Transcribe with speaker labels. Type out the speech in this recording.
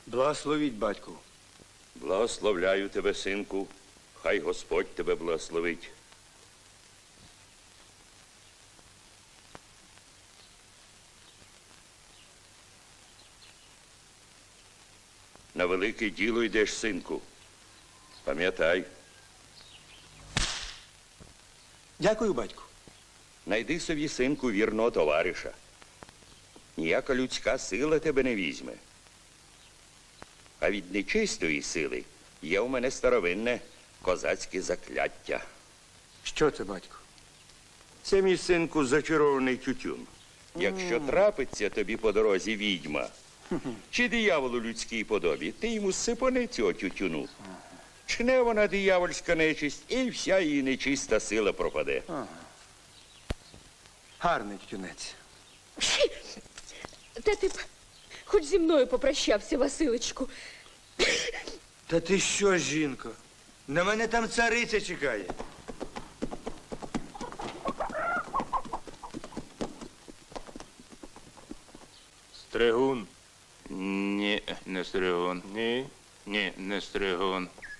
Speaker 1: Благословіть, батьку.
Speaker 2: Благословляю тебе, синку. Хай Господь тебе благословить. На велике діло йдеш, синку. Пам'ятай,
Speaker 1: Дякую, батьку.
Speaker 2: найди собі, синку, вірного товариша. Ніяка людська сила тебе не візьме. А від нечистої сили є у мене старовинне козацьке закляття.
Speaker 1: Що це, батьку?
Speaker 2: Це, мій синку, зачарований тютюн. Якщо трапиться тобі по дорозі відьма, чи диявол у людській подобі, ти йому сипани цього тютюну. Чне вона диявольська нечисть, і вся її нечиста сила пропаде.
Speaker 1: Гарний тютюнець.
Speaker 3: Та ти б хоч зі мною попрощався, Василечку.
Speaker 1: Та ти що, жінко? На мене там цариця чекає.
Speaker 4: Стригун.
Speaker 5: Ні, не стригун.
Speaker 4: Ні.
Speaker 5: Ні, не стригун.